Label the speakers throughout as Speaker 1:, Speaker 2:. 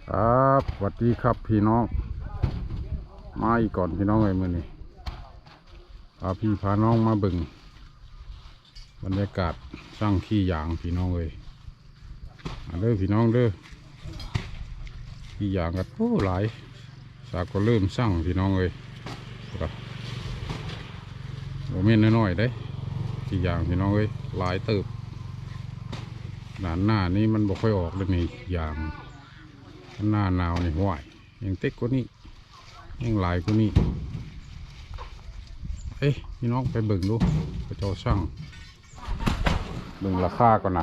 Speaker 1: ครับสวัสดีครับพี่น้องมาอีกก่อนพี่น้องเลยมื้อนี้พาพี่พาน้องมาบึงบรรยากาศสร้างขี้ยางพี่น้องเลยมาเด้อพี่น้องเด้อขี้ยางกันโอ้หลายสากก็เริ่มสร้างพี่น้องเลยครับโมเมนต์น้อยๆได้ขี้ยางพี่น้องเลยหลายเติบหน้านี้มันบ่ค่อยออกเลยนี่ยางหน้าหนาวนี่ห่วยยังเต็กกว่านี้ยังหลายกว่านี้เอ้ยพี่น้องไปเบิ่งดูพระเจ้าช่างเบิ่งราคาก่อนนะ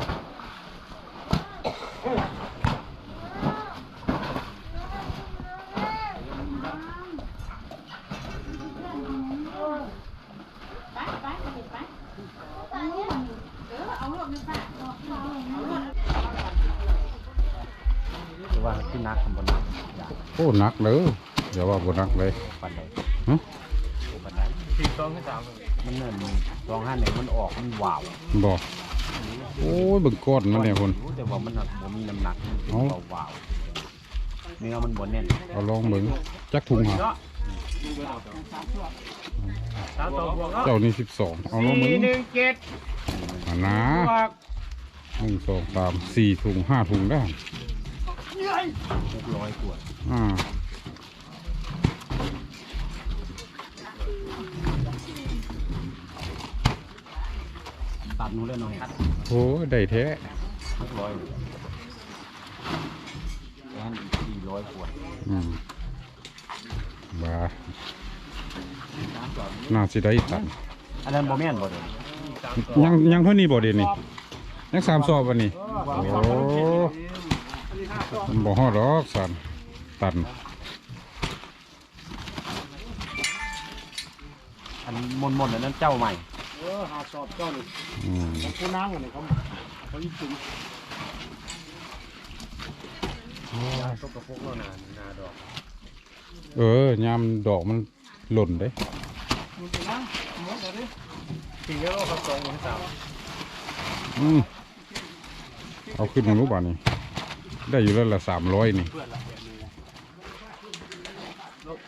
Speaker 2: ว่าที่นักบนนัก
Speaker 1: โอ้หนักเลยอย่าว่าบ่หนักเลย
Speaker 2: ปันใด
Speaker 1: ฮะ
Speaker 2: ปันใดมันเนิ่น251มันออกมันว้าว
Speaker 1: บอกโอ้ยเบิ่งก้อนมันเนี่ยคน
Speaker 2: แต่ว่ามันบ่มีน้ำหนักมันเป็นว้าวเนื้อมันบ่แน่น
Speaker 1: เอาลองเบิ่งจักถุงหาเจ้านี่12เอาลองเบิ่งอันนะ1 2 3 4ถุง5ถุงได้
Speaker 2: 600กว่าตัดนู้นเลยหน่อย
Speaker 1: โอ้ได้แท้
Speaker 2: 600แอน400กว่า
Speaker 1: บ้าน่าสิได้ตัน
Speaker 2: อันนั้นบ่แม่นบ่เด้
Speaker 1: ยังเท่านี้บ่เด่นนี่ยัง3 สอบวันนี้โอ้มันบ่ฮอดดอกสันตัน
Speaker 2: อันมนๆอันนั้นเจ้าใหม่
Speaker 3: หาสอบเจ้านี่ผู้นั่งอันนี้เขายิ่งจุ่มต้นกระพกแล้วนาดอก
Speaker 1: ยามดอกมันหล่นเด้
Speaker 3: มันเป็นนั่งหมดเลยสี่กิโลครับ2
Speaker 1: เอาขึ้นมารู้ป่ะนี่ได้อยู่แล้วละ300นี่
Speaker 3: ลบ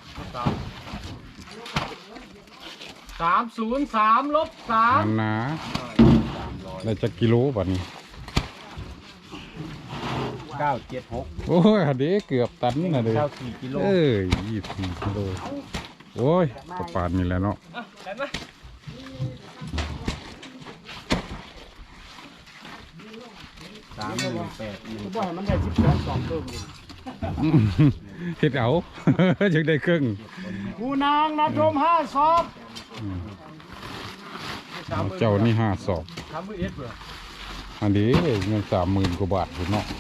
Speaker 3: 303ลบ3
Speaker 1: นั่นนะได้จักกิโลป่ะนี่
Speaker 2: 976
Speaker 1: โอ้ยเด็กเกือบตันนะเด้
Speaker 2: 94กิโล
Speaker 1: 24กิโลโอ้ยประปานนี่แหละเนาะ
Speaker 3: บ่ให้มันได้12 เติม
Speaker 1: เฮ็ดเอา จึงได้ครึ่ง
Speaker 3: ผู้นางนะชม5 สอบ
Speaker 1: เจ้านี่5 สอบอันนี้เงิน30,000 กว่าบาทคุณเนาะ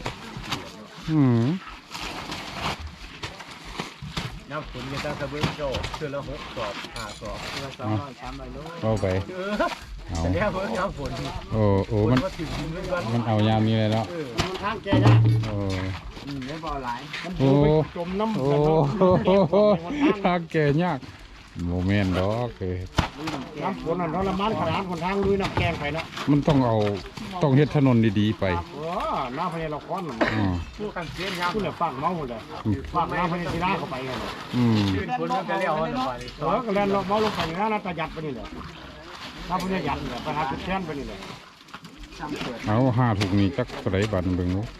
Speaker 2: น้ำฝนกันตั้งแต่เบื้องโจเชื่อละ6 สอบ5 สอบเชื่อ300 โล
Speaker 1: เอาไป
Speaker 2: แต่เนี่ยเบื้องน้ำฝน
Speaker 1: โอ้มันเอายามนี้เลยเนาะ
Speaker 3: มันทางแก่ยาก
Speaker 2: ไม่พอหลาย
Speaker 3: จมน้ำโอ้
Speaker 1: ทางแก่ยากโมเมนต์ดอกเลย
Speaker 3: น้ำฝนนั่นทรมานขนาดคนทางลุยน้ำแกงไปเนาะ
Speaker 1: มันต้องเฮ็ดถนนดีๆไป
Speaker 3: น้ำพญาละครผู้กันเสียนยากผู้เนี่ยฟังเมาเลยฟังน้ำพญาศิลาเข้าไปกัน
Speaker 2: คนก็เลี้ยวไป
Speaker 3: ก็เล่นเมาลงไปนะประหยัดไปนี่เลยน้ำพญาหยัดเนี่ยประหยัดจุดแทนไปนี่เลย
Speaker 1: เอา5 ถุงนี้จักเท่าไหร่บาทเบิ่งดู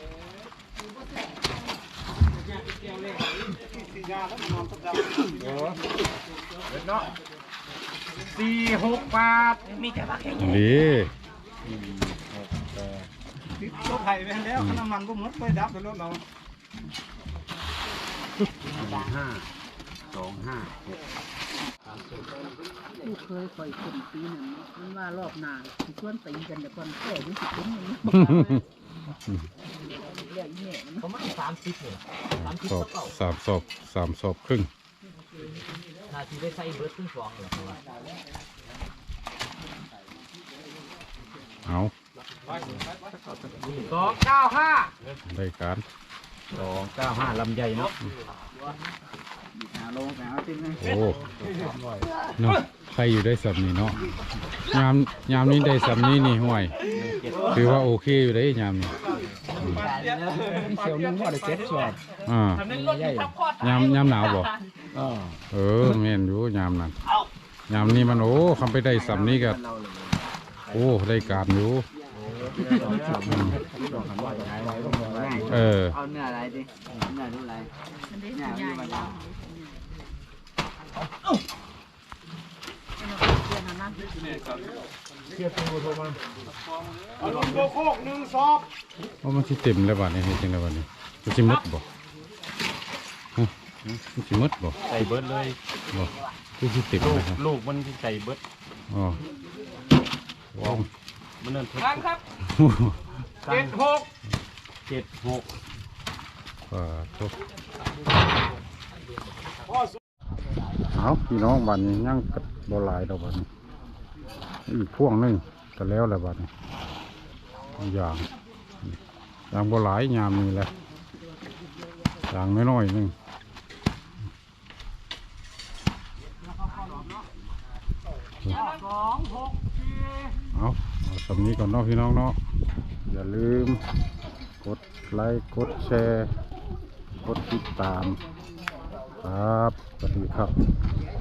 Speaker 3: 46 บาทมีแต่บาทแค่นี้รถไถไปแล้วน้ำมันก็หมดไปดับรถเรา
Speaker 4: ผู้เคยคอยคนปีหนึ่งมันว่ารอบหน้าชวนตีกันแต่ก่อนแก่รู้สึกเป็นอย่างนี้
Speaker 2: เขาไม่30เลย
Speaker 1: 3 สอบครึ่ง
Speaker 2: นาทีได้ใส่เบิร์ดขึ้นฟองเหรอ
Speaker 1: เอา
Speaker 3: 295
Speaker 1: ได้การ
Speaker 2: 295ลำใหญ่เนาะ
Speaker 1: โอ้เนาะใครอยู่ได้สำนี้เนาะยามนี้ได้สำนี้นี่ห่วยถือว่าโอเคอยู่ได้ยามนี้
Speaker 3: เสียวนึงว่าได้เจ็ดสอบ
Speaker 1: อ่า
Speaker 3: ใหญ่
Speaker 1: ยามหนาวบ่
Speaker 3: อ่า
Speaker 1: แม่นอยู่ยามนั้นยามนี้มันโอ้คำไปได้สำนี้ก็โอ้ได้การอยู่เออ
Speaker 2: เอาเนื้ออะไรดิเนื้อดูอะไร
Speaker 4: มันได้ใหญ่แล้วเดี๋ยวนะ
Speaker 3: เทียบตัวโทรมาเอาลงโบโคก1 สอบ
Speaker 1: ว่ามันสิเต็มแล้วบัดนี้เฮ็ดจังได๋บัดนี้มันสิหมดบ่ฮะมันสิหมดบ่
Speaker 3: ใส่เบิร์ดเลย
Speaker 1: บ่คือสิเต็มนะครับ
Speaker 3: ลูกมันที่ใส่เบิร์ด
Speaker 1: อ๋อว้าว
Speaker 3: มันนั่นทุก
Speaker 2: ครับ
Speaker 3: 76
Speaker 1: ทุกเอาพี่น้องบัดนี้ยังกับ่หลายดอกบัดนี้อีกพวงหนึงก็แล้วแหละบัดนี้อย่างบ่หลายยามนี้แหละอย่างน้อยๆหนึงเอาสำนี้ก่อนเนาะพี่น้องเนาะอย่าลืมกดไลค์กดแชร์กดติดตามครับสวัสดีครับ